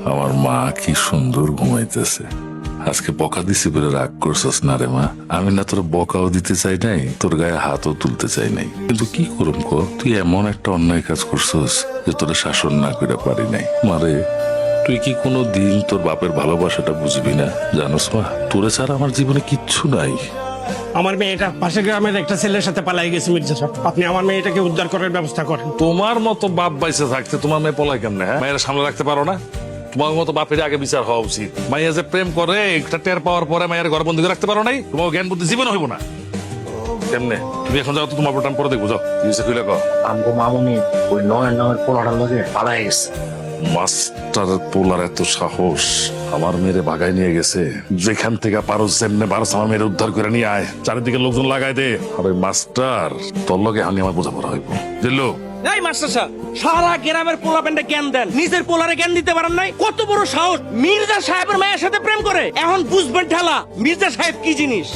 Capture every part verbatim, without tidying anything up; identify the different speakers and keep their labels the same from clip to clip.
Speaker 1: আমার মা কি সুন্দর ঘুমাইতেছে। আজকে বকা দিছি বলে রাগ করছস না রে মা? আমি না তোর বকাও দিতে চাই নাই, তোর গায়ে হাতও তুলতে চাই নাই, কিন্তু কি করুম ক, তুই এমন একটা অন্যায় কাজ করছস যে তোর শাসন না করে পারি নাই। মারে, তুই কি কোনো দিন তোর বাপের ভালোবাসাটা বুঝবি না? জানোস মা, তোরে ছাড়া আমার জীবনে কিচ্ছু নাই।
Speaker 2: আমার মেয়েটা পাশের গ্রামের একটা ছেলের সাথে পালাই গেছে মির্জা সাহেব, আপনি আমার মেয়েটাকে উদ্ধার করার ব্যবস্থা করেন।
Speaker 3: তোমার মতো বাপ বাইসে থাকতে তোমার মেয়ে পলায় কেমনে? হ্যাঁ, মায়ের সামনে রাখতে পারো না? তোমার মতো বাপের আগে বিচার হওয়া উচিত। মাইয়া যে প্রেম করে একটা টের পাওয়ার পরে মায়ের ঘর বন্দি করে রাখতে পারো নাই? তোমার জ্ঞান বুদ্ধি জীবনে হইব না। কেমনে? তুমি এখন যাও তো, তোমার প্রোটাম পরে দেখবো, যাও। খুলে কো
Speaker 4: আমগো মামুনি ওই নয় নয়ের পোলাটার লগে পালাই গেছে।
Speaker 3: মাস্টার পোলার এত সাহস, আমার মেয়েরে বাগায় নিয়ে গেছে। যেখান থেকে পারো যেমনে পারো আমার মেয়ের উদ্ধার করে নিয়ে আয়, চারিদিকে লোকজন লাগাই দে। আর ওই মাস্টার তোর লগে আমি আমার বোঝাপড়া হইব, দিল্লু।
Speaker 2: এই মাস্টার সাহেব, সারা গ্রামের পোলা প্যান্ডে জ্ঞান দেন, নিজের পোলারে জ্ঞান দিতে পারেন নাই? কত বড় সাহস! মির্জা সাহেবের মায়ের সাথে প্রেম করে। এখন বুঝবেন ঠেলা মির্জা সাহেব কি জিনিস।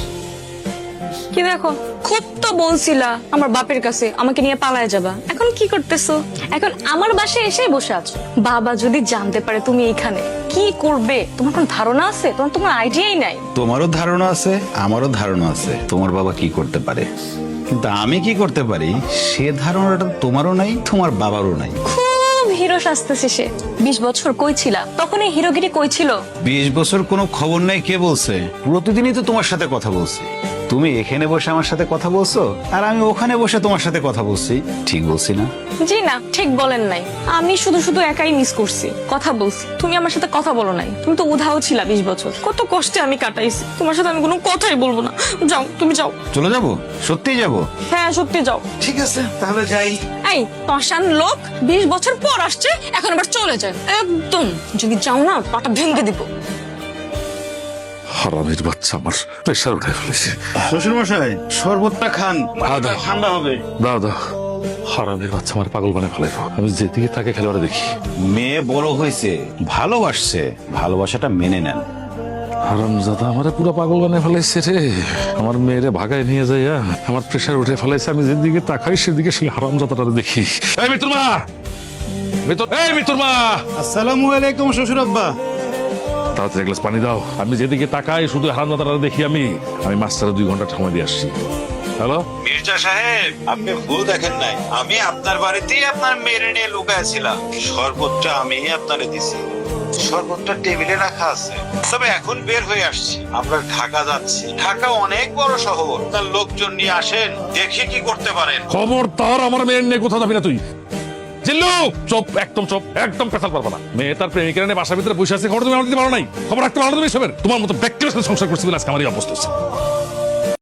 Speaker 5: কি দেখো, খুব তো বলছিলা আমার বাপের কাছে আমাকে নিয়ে পালায় যাবা, এখন কি করতেছো? এখন আমার বাসায় এসে বসে আছো। বাবা যদি জানতে পারে তুমি এইখানে, কি করবে? তোমার কোন ধারণা আছে? তোমার তোমার আইডিয়াই নাই।
Speaker 6: তোমারও ধারণা আছে, আমারও ধারণা আছে তোমার বাবা কি করতে পারে, কিন্তু আমি কি করতে পারি সে ধারণাটা তোমারও নাই, তোমার বাবারও নাই।
Speaker 5: খুব হিরো সাজতেছে সে। বিশ বছর কই ছিলা? তখন এই হিরোগিরি কই ছিল?
Speaker 6: বিশ বছর কোনো খবর নাই কে বলছে? প্রতিদিনই তো তোমার সাথে কথা বলছি। তুমি এখানে বসে আমার সাথে কথা বলছো আর আমি ওখানে বসে তোমার সাথে কথা বলছি, ঠিক বলছি না?
Speaker 5: জি না, ঠিক বলেন নাই। আমি শুধু শুধু একাই মিস করছি, কথা বলছি, তুমি আমার সাথে কথা বলো নাই। তুমি তো উধাও ছিলা বিশ বছর, কত কষ্টে আমি কাটাইছি। তোমার সাথে আমি কোনো কথাই বলবো না। যাও, তুমি যাও।
Speaker 6: চলে যাবো? সত্যিই যাবো?
Speaker 5: হ্যাঁ, সত্যি যাও।
Speaker 6: ঠিক আছে, তাহলে যাই।
Speaker 5: এই পাষাণ লোক, বিশ বছর পর আসছে, এখন আবার চলে যায় একদম। যদি যাও না, পাটা ভেঙে দিব।
Speaker 3: হারামির বাচ্চা আমার প্রেশার উঠে ফেলেছে।
Speaker 6: শ্বশুর মশাই, শরবতটা খান,
Speaker 3: দাও।
Speaker 6: ঠান্ডা হবে।
Speaker 3: দাও দাও। হারামির বাচ্চা আমার পাগল বানায় ফেলাইব। আমি যেদিকে তাকে খেলোয়াড়ে দেখি।
Speaker 6: মেয়ে বড় হয়েছে, ভালোবাসছে, ভালোবাসাটা মেনে নেন।
Speaker 3: হারামজাদা আমারে পুরো পাগল বানায় ফেলাইছে রে। আমার মেয়েরে ভাগায় নিয়ে যাইয়া আমার প্রেশার উঠে ফেলাইছে। আমি যেদিকে তাকাই সেদিকে সেই হারামজাদাটা দেখি। এই মিতুর মা, মিতুর, এই মিতুর মা।
Speaker 6: আসসালামু আলাইকুম শ্বশুর আব্বা।
Speaker 3: তাড়াতাড়ি এক গ্লাস পানি দাও। আমি যেদিকে তাকাই শুধু হারামজাদাটা দেখি। আমি আমি মাস্টারে দুই ঘন্টা সময় দিয়ে আসছি। হ্যালো
Speaker 7: মির্জা সাহেব, আপনি ভুল দেখেন নাই। আমি আপনার বাড়িতেই আপনার মেয়ের নিয়ে লুকাইছিলাম। শরবতটা আমি আপনারে দিছি। শরবতটা টেবিলে রাখা আছে। তবে এখন বের হয়ে আসছি, আমরা ঢাকা যাচ্ছি। ঢাকা অনেক বড় শহর, তার লোকজন নিয়ে আসেন, দেখে কি করতে পারেন।
Speaker 3: খবরদার আমার মেয়ের নিয়ে কোথাও যাবি না তুই। জিল্লু, চুপ, একদম চুপ, একদম পেছাল পারবো না। মেয়ে তার প্রেমিকের নিয়ে বাসার ভিতরে বসে আছে, খবর তুমি আমার দিতে পারো নাই? খবর রাখতে পারো না তুমি এসবের? তোমার মতো ব্যক্তির সাথে সংসার করছি বলে আজকে আমার এই অবস্থা হচ্ছে।